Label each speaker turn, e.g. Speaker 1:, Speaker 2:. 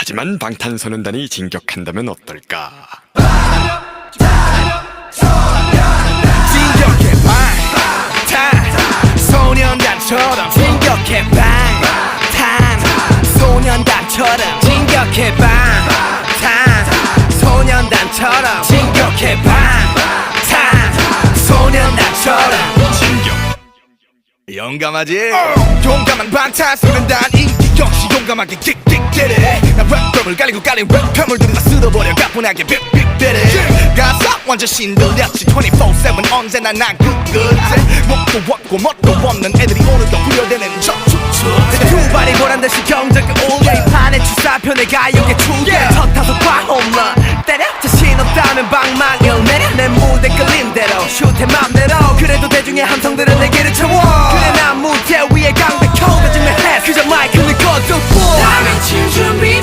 Speaker 1: 하지만 방탄소년단이 진격한다면 어떨까?
Speaker 2: 진격해 방탄소년단처럼 진격해 방탄소년단처럼 진격해 방탄소년단처럼 진격해 방탄소년단처럼
Speaker 1: 진격!
Speaker 2: 용감하지? 용감한 방탄소년단 인기 역시 용감하게 킥킥대래 나 랩덤을 깔리고 깔린 랩감을 들이다 쓸어버려 가뿐하게 빅빅대래 가사 완전 신들렸지 24/7 언제나 난 끝끝에 목도 없고 멋도 없는 애들이 오늘도 부여되는 저축축 두 발이 보란듯이 경적을 올려 이 판에 주사편에 가요계 투게 첫 타석 홈런 때려 자신 없다면 방망이를 내려 내 무대 끌린 대로 슛해 맘대로 그래도 대중의 함성들은 내게를 채워